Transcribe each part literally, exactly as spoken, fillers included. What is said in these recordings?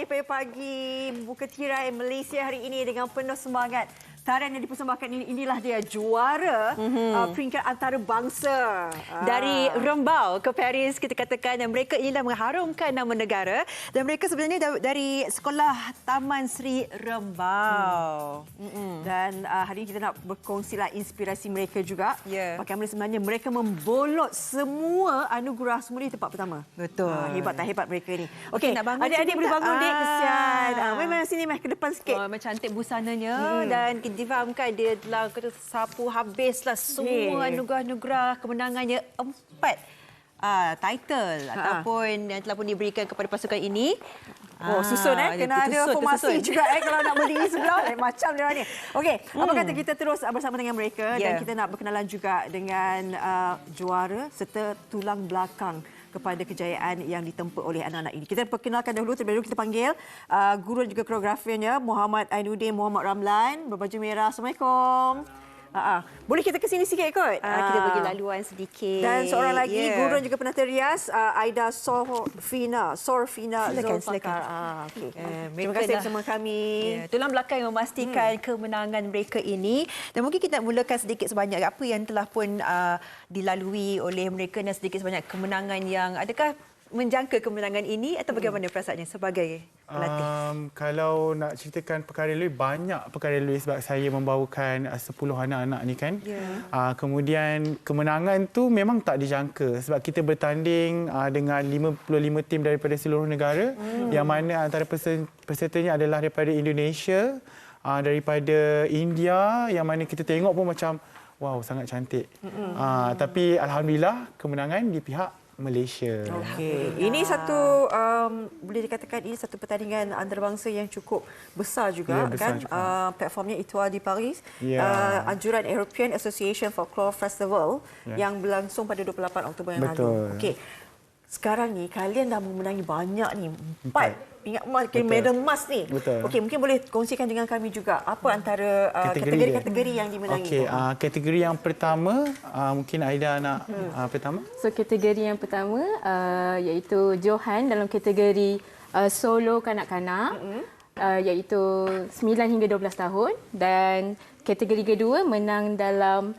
Tari pagi-pagi buka tirai Malaysia hari ini dengan penuh semangat. Tarian yang dipersembahkan ini, inilah dia juara mm-hmm. uh, peringkat antarabangsa. Dari Rembau ke Paris, kita katakan dan mereka inilah mengharumkan nama negara. Dan mereka sebenarnya dari Sekolah Taman Sri Rembau. Hmm. Mm-hmm. Dan uh, hari ini kita nak berkongsilah inspirasi mereka juga. Yeah. Bagaimana sebenarnya mereka membolot semua anugerah semula di tempat pertama. Betul. Uh, hebat tak hebat mereka ni. Okey, nak bangun adik-adik boleh bangun, Dik. Kesian. Ah. Uh, memang sini meh ke depan sikit. Oh, memang cantik busananya Hmm. dan difahamkan dia telah kata sapu habislah semua Yeah. anugerah-anugerah kemenangannya empat uh, title Ha. ataupun yang telah pun diberikan kepada pasukan ini. Oh, susun eh. Kena ada tersusun, formasi tersusun. juga eh kalau nak berdiri sebelah. Eh, macam dia ni. Okey, hmm. apa kata kita terus bersama dengan mereka Yeah. dan kita nak berkenalan juga dengan uh, juara serta tulang belakang kepada kejayaan yang ditempa oleh anak-anak ini. Kita perkenalkan dahulu, terlebih dahulu kita panggil uh, guru dan juga koreografernya Muhammad Ainuddin Muhammad Ramlan berbaju merah. Assalamualaikum. Uh-uh. Boleh kita ke sini sikit kot? Uh, kita bagi laluan sedikit. Dan seorang lagi, Yeah. guru dan juga penata rias, uh, Aida Sorfina. Sorfina Silakan, Zulfakar. silakan. Ah, okay. Eh, Terima kasih bersama kami. Ya, tulang belakang yang memastikan hmm. kemenangan mereka ini. Dan mungkin kita nak mulakan sedikit sebanyak apa yang telah pun uh, dilalui oleh mereka dan sedikit sebanyak kemenangan yang adakah menjangka kemenangan ini atau bagaimana perasaannya sebagai pelatih? Um, kalau nak ceritakan perkara lebih banyak perkara lebih sebab saya membawakan uh, sepuluh anak-anak ni kan. Yeah. Uh, kemudian kemenangan tu memang tak dijangka sebab kita bertanding uh, dengan lima puluh lima tim daripada seluruh negara mm. yang mana antara pesertanya adalah daripada Indonesia, uh, daripada India yang mana kita tengok pun macam wow sangat cantik. Mm-hmm. Uh, tapi alhamdulillah kemenangan di pihak Malaysia. Okey, ini satu um, boleh dikatakan ini satu pertandingan antarabangsa yang cukup besar juga, ya, besar kan? juga. Uh, platformnya Etoile di Paris, ya. uh, anjuran European Association Folklore Festival ya. yang berlangsung pada dua puluh lapan Oktober yang Betul. lalu. Okey. Sekarang ni kalian dah memenangi banyak ni, empat pingat emas, medal emas ni. Betul. Okey, mungkin boleh kongsikan dengan kami juga apa antara uh, kategori-kategori yang dimenangi. Okey, uh, kategori yang pertama uh, mungkin Aida nak hmm. uh, pertama. So kategori yang pertama uh, iaitu Johan dalam kategori uh, solo kanak-kanak mm-hmm. uh, iaitu sembilan hingga dua belas tahun, dan kategori kedua menang dalam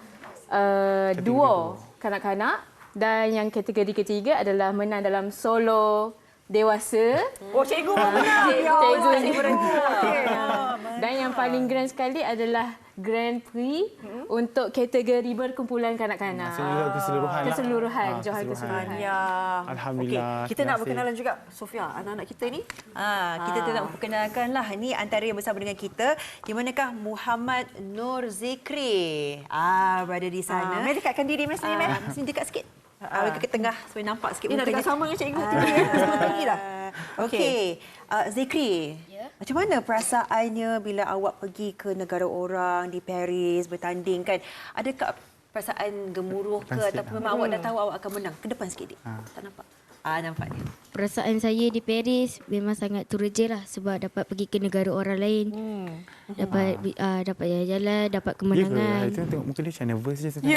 uh, duo kanak-kanak, dan yang kategori ketiga adalah menang dalam solo dewasa. Oh, cikgu pun menang. Cik, Ya cikgu Allah, ni. Okey. Dan yang paling grand sekali adalah Grand Prix hmm? untuk kategori berkumpulan kanak-kanak. Seluruh keseluruhan lah. Keseluruhan, Ah, Johan keseluruhan. keseluruhan. Ya. Alhamdulillah. Okey, kita Terima nak kasih. berkenalan juga Sofia, anak-anak kita ni. Ah, kita Ah. tu nak memperkenalkanlah ini antara yang bersama dengan kita, di manakah Muhammad Nur Zikri. Ah, berada di sana. Ah, Mari dekatkan diri Mas ni, Meh. Ah, sini dekat sikit. Ah, ke tengah supaya nampak sikit Ini nak dekat mukanya. sama dengan cikgu tinggi. eh. Sama tinggi dah. Okey, uh, Zikri. Ya. Macam mana perasaannya bila awak pergi ke negara orang di Paris bertanding kan? Adakah perasaan gemuruh ke Depan sikit ataupun lah. memang awak dah tahu awak akan menang? Ke depan sikit, Dik. Tak nampak. Ah, nampak ni. Perasaan saya di Paris memang sangat teruja lah sebab dapat pergi ke negara orang lain. Hmm. Dapat uh, dapat jalan-jalan, dapat Ya ke? kemenangan. Hari tu tengok muka dia macam nervous je sebenarnya.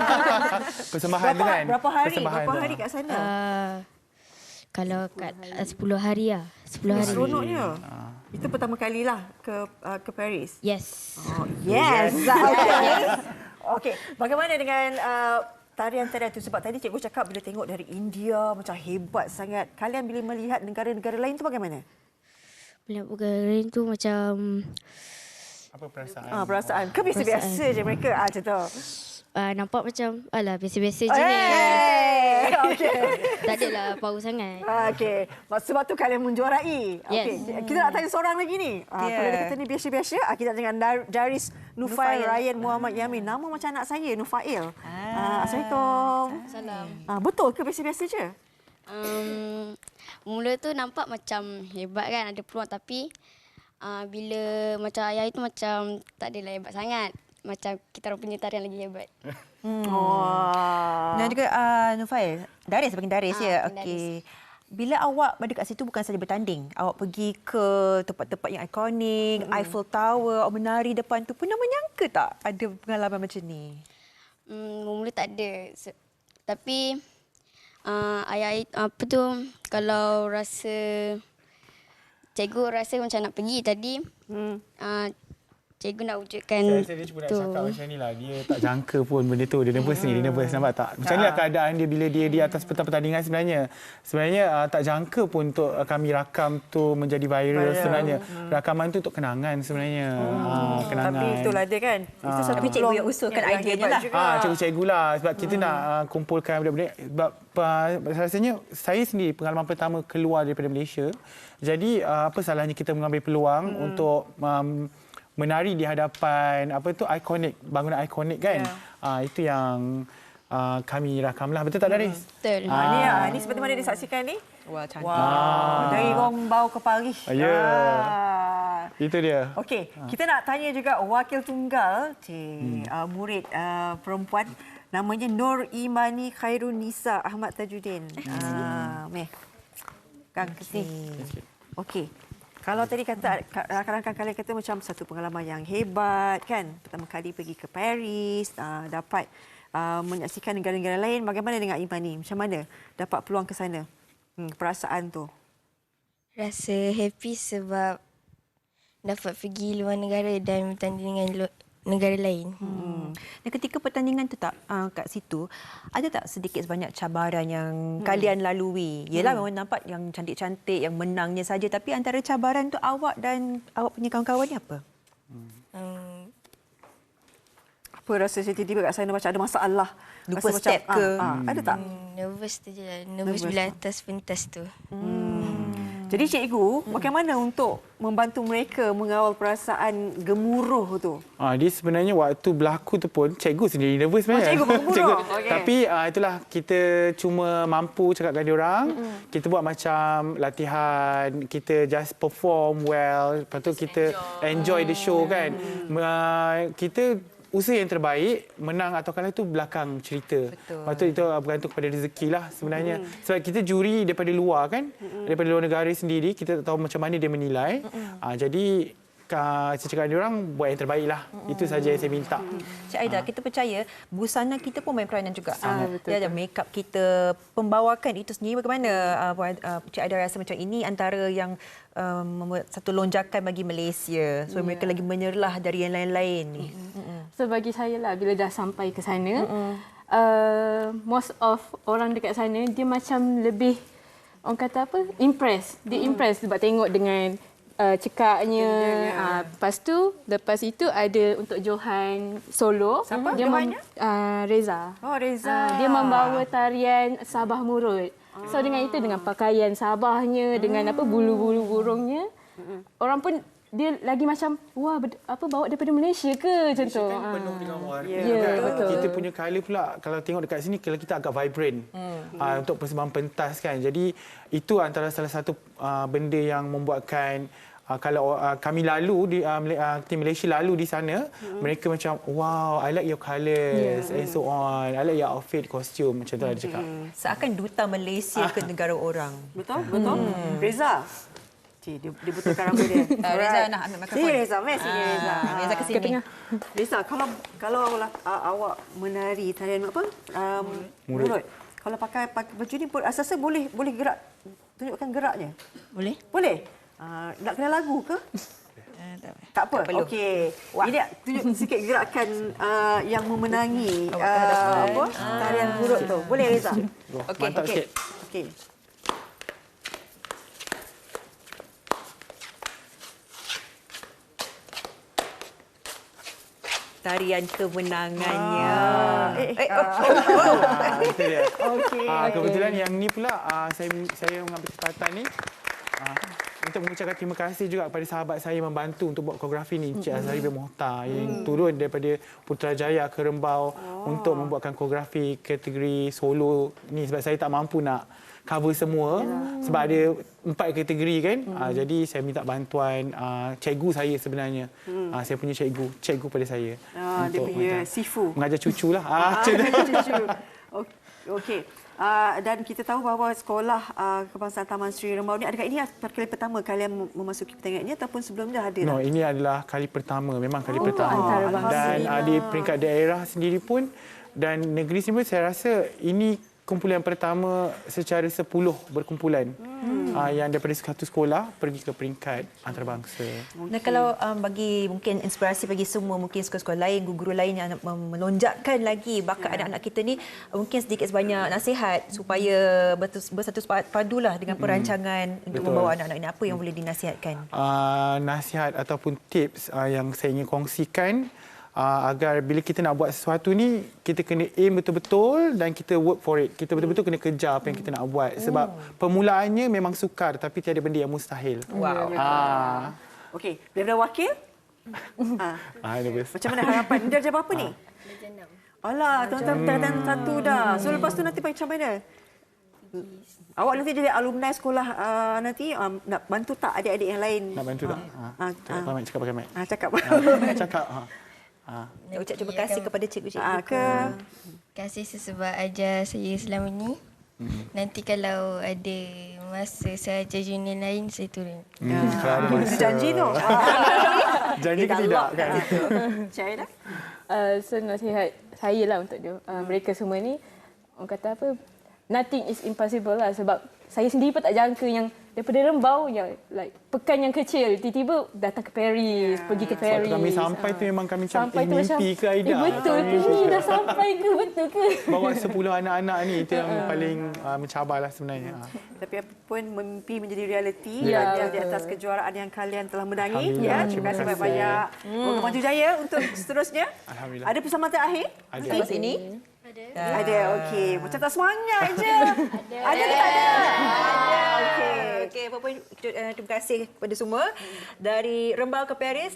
Persembahan tu Berapa, kan? berapa hari? Persembahan Berapa tu. hari kat sana? Uh, kalau kat uh, sepuluh hari lah. sepuluh hari. Seronoknya. Itu pertama kalilah ke uh, ke Paris. Yes. Oh, yes. Okey. Okey, bagaimana dengan uh, tarian-tarian itu? Sebab tadi cikgu cakap bila tengok dari India macam hebat sangat. Kalian bila melihat negara-negara lain tu bagaimana? Bila perkara lain tu macam Apa perasaan? Ah, perasaan. Ke biasa-biasa je mereka ah macam tu. uh, nampak macam alah biasa-biasa je ni. Hey! Okey. Tak adalah power sangat. Ah, Okey. Sebab tu kalian menjuarai. Okey. Yes. Kita nak tanya seorang lagi ni. Ah, Yeah. Kalau dia kata ni biasa-biasa, ah, kita nak dengan Dar- Daris Nufail Nufail. Ryan Muhammad Yamin. Nama macam anak saya, Nufail. Ah. Assalamualaikum. Salam. Ah, betul ke biasa-biasa je? Um, mula tu nampak macam hebat kan, ada peluang, tapi uh, bila macam ayah itu macam tak adalah hebat sangat. Macam kita orang punya tarian lagi hebat. Hmm. Oh. Dan juga uh, Nufail, Daris panggil Daris Ah, ya. panggil Okey. Bila awak berada kat situ bukan saja bertanding, awak pergi ke tempat-tempat yang ikonik, mm. Eiffel Tower, awak menari depan tu, pernah menyangka tak ada pengalaman macam ni? Hmm, mula tak ada. Se- Tapi uh, ayah apa tu, kalau rasa cikgu rasa macam nak pergi tadi. Hmm. Uh, cikgu nak wujudkan Saya rasa dia cuma nak tu. cakap macam ni lah. Dia tak jangka pun benda tu. Dia nervous ni. Dia nervous. Nampak tak? Macam ni lah keadaan dia bila dia di atas peta pertandingan sebenarnya. Sebenarnya uh, tak jangka pun untuk uh, kami rakam tu menjadi viral, viral. sebenarnya. Hmm. Rakaman tu untuk kenangan sebenarnya. Hmm. Uh, kenangan. Tapi itulah dia kan. Itu Ah. satu Tapi cikgu yang usulkan yang ideanya hebat lah. juga. Ah, cikgu-cikgu lah. Sebab kita hmm. nak uh, kumpulkan benda-benda. Sebab uh, rasanya saya sendiri pengalaman pertama keluar daripada Malaysia. Jadi uh, apa salahnya kita mengambil peluang hmm. untuk um, menari di hadapan apa tu ikonik, bangunan ikonik kan. Yeah. Uh, itu yang uh, kami rakamlah. Betul tak Daris? Betul. Ha, ni, ah, ni seperti mana disaksikan ni? Wah, cantik. Wow. Dari Rombau ke Paris. Ya. Ah. Itu dia. Okey, kita nak tanya juga wakil tunggal, cik, hmm. uh, murid uh, perempuan namanya Nur Imani Khairun Nisa Ahmad Tajuddin. Ah, meh. Kang ke sini. Okey. Kalau tadi kata rakan-rakan kalian kata macam satu pengalaman yang hebat kan, pertama kali pergi ke Paris, uh, dapat uh, menyaksikan negara-negara lain, bagaimana dengan Imani? Macam mana dapat peluang ke sana? Hmm, perasaan tu. Rasa happy sebab dapat pergi luar negara dan bertanding dengan lu- negara lain. Hmm. Dan ketika pertandingan tu tak uh, kat situ, ada tak sedikit sebanyak cabaran yang hmm. kalian lalui? Yelah hmm. memang nampak yang cantik-cantik, yang menangnya saja, tapi antara cabaran tu awak dan awak punya kawan-kawan ni apa? Hmm. Apa rasa saya tiba-tiba kat sana macam ada masalah? Lupa Rasa step macam, ke? Ah, ah, ada tak? Hmm, nervous tu je lah. Nervous, Nervous bila lah. atas pentas tu. Hmm. Jadi cikgu, bagaimana untuk membantu mereka mengawal perasaan gemuruh tu? Ah, dia sebenarnya waktu berlaku tu pun cikgu sendiri nervous sebenarnya. Oh, cikgu bergemuruh. Okey. Tapi uh, itulah kita cuma mampu cakap dengan dia orang. Mm-hmm. Kita buat macam latihan, kita just perform well, lepas tu kita enjoy, enjoy the show kan. Mm. Uh, kita usaha yang terbaik, menang atau kalah itu belakang cerita. Betul. Lepas tu itu bergantung kepada rezeki lah sebenarnya. Mm. Sebab kita juri daripada luar kan, mm. daripada luar negara sendiri, kita tak tahu macam mana dia menilai. Mm. Uh, jadi Uh, saya cakap dengan orang buat yang terbaik lah. Mm. Itu saja yang saya minta. Mm. Cik Aida, ha. kita percaya busana kita pun main peranan juga. Ah, betul, Dia ada make up kita, pembawakan itu sendiri bagaimana uh, uh, Cik Aida rasa macam ini antara yang um, membuat satu lonjakan bagi Malaysia. So yeah. mereka lagi menyerlah dari yang lain-lain ni. Mm-mm. So bagi saya lah bila dah sampai ke sana, uh, most of orang dekat sana dia macam lebih orang kata apa? Impress. Dia impress sebab tengok dengan Uh, cekaknya. Uh, lepas tu, lepas itu ada untuk Johan solo. Siapa dia Johannya? Mem- uh, Reza. Oh, Reza. Uh, dia membawa tarian Sabah Murut. Ah. So dengan itu, dengan pakaian Sabahnya, hmm. dengan apa bulu-bulu burungnya, hmm. orang pun dia lagi macam, wah, apa bawa daripada Malaysia ke? Macam tu. Kan penuh dengan warna. Ya, yeah, betul. Kita punya colour pula, kalau tengok dekat sini, kalau kita agak vibrant hmm. uh, untuk persembahan pentas kan. Jadi itu antara salah satu uh, benda yang membuatkan Uh, kalau uh, kami lalu di uh, uh, tim Malaysia lalu di sana, mm-hmm. mereka macam wow, I like your colours yeah. and so on. I like your outfit, costume, macam tu mm-hmm. dia cakap. Seakan duta Malaysia ke negara orang. Betul? Betul? Hmm. Reza. Cik, dia, dia betulkan rambut dia. Uh, Reza nak ambil mikrofon. Sini Reza, mari sini Ah, Reza. Reza ke sini. Reza, kalau kalau uh, awak menari tarian apa? Um, Murut. Murut. Kalau pakai, pakai baju ni pun asasnya boleh boleh gerak. Tunjukkan geraknya. Boleh? Boleh? Uh, nak kena lagu ke? Uh, tak apa. Tak apa. Tak perlu. Okey. Ini tunjuk sikit gerakan uh, yang memenangi Awak uh, hadapan. apa? Tarian murut tu. Boleh Reza? Okey, mantap okey. sikit. Okey. Tarian kemenangannya. Ah. Eh, eh, oh, ah. oh, oh. Ah, itu dia. Okey. Ah, kebetulan yang ni pula ah, saya saya mengambil kesempatan ni ah, untuk mengucapkan terima kasih juga kepada sahabat saya yang membantu untuk buat koreografi ni, Encik Azhari bin Mohtar yang turun daripada Putrajaya ke Rembau untuk membuatkan koreografi kategori solo ni sebab saya tak mampu nak cover semua Yalah. sebab ada empat kategori kan. Hmm. Uh, jadi saya minta bantuan uh, cikgu saya sebenarnya. Hmm. Uh, saya punya cikgu, cikgu pada saya. Ah, dia punya mengajar, sifu. Mengajar cucu lah. Ah, Ah, cucu. Okey. Uh, dan kita tahu bahawa sekolah uh, Kebangsaan Taman Sri Rembau ni adakah ini kali pertama kalian memasuki pertandingan ini ataupun sebelumnya ada? No, ini adalah kali pertama, memang kali Oh, pertama. antarabangsa. Dan uh, di peringkat daerah sendiri pun dan negeri sendiri pun saya rasa ini kumpulan pertama secara sepuluh berkumpulan hmm. uh, yang daripada satu sekolah pergi ke peringkat antarabangsa. Okay. Nah, kalau um, bagi mungkin inspirasi bagi semua mungkin sekolah-sekolah lain, guru-guru lain yang nak melonjakkan lagi bakat yeah. anak-anak kita ni, mungkin sedikit sebanyak nasihat supaya bersatu padulah dengan perancangan hmm. untuk Betul. membawa anak-anak ini. Apa yang boleh dinasihatkan? Uh, nasihat ataupun tips uh, yang saya ingin kongsikan Uh, agar bila kita nak buat sesuatu ni, kita kena aim betul-betul dan kita work for it. Kita betul-betul kena kejar apa yang kita nak buat. Sebab mm. permulaannya memang sukar tapi tiada benda yang mustahil. Wow. Ah. Okey, daripada wakil? ah. Ah, Macam mana harapan? Dia darjah berapa ni? Darjah enam. Alah, tuan-tuan satu dah. So lepas tu nanti macam mana? Awak nanti jadi alumni sekolah uh, nanti um, nak bantu tak adik-adik yang lain? Nak bantu tak? Ha. Ah, Cakap pakai mic, cakap pakai mic. Ah, cakap. Ha. Cakap. Ha. Ha. Nak ucap terima kasih kepada cikgu-cikgu. Ah, ke? Terima kasih sebab ajar saya selama ini. Hmm. Nanti kalau ada masa saya ajar junior lain, saya turun. Hmm, ah. Kalau ada masa. Janji tu. Janji ke tidak? Kan? Syaira? Uh, so nasihat saya lah untuk dia, uh, mereka semua ni, orang kata apa, nothing is impossible lah. Sebab saya sendiri pun tak jangka yang daripada Rembau yang like pekan yang kecil tiba-tiba datang ke Paris, yeah. pergi ke Paris. Waktu kami sampai tu memang kami macam sampai eh, mimpi macam, ke Aida? Eh, betul ke ni dah sampai ke betul ke? Bawa sepuluh anak-anak ni itu yang paling uh, mencabarlah sebenarnya. Tapi apa pun mimpi menjadi realiti ya, di atas kejuaraan yang kalian telah menangi. Ya, terima kasih banyak-banyak. Semoga maju jaya untuk seterusnya. Alhamdulillah. Ada persamaan terakhir? Ada. Lepas ini? Ada. Ada, okey. Macam tak semangat je. Ada. Ada ke tak ada? Ada. Okey. Okey, apa pun terima kasih kepada semua dari Rembau ke Paris.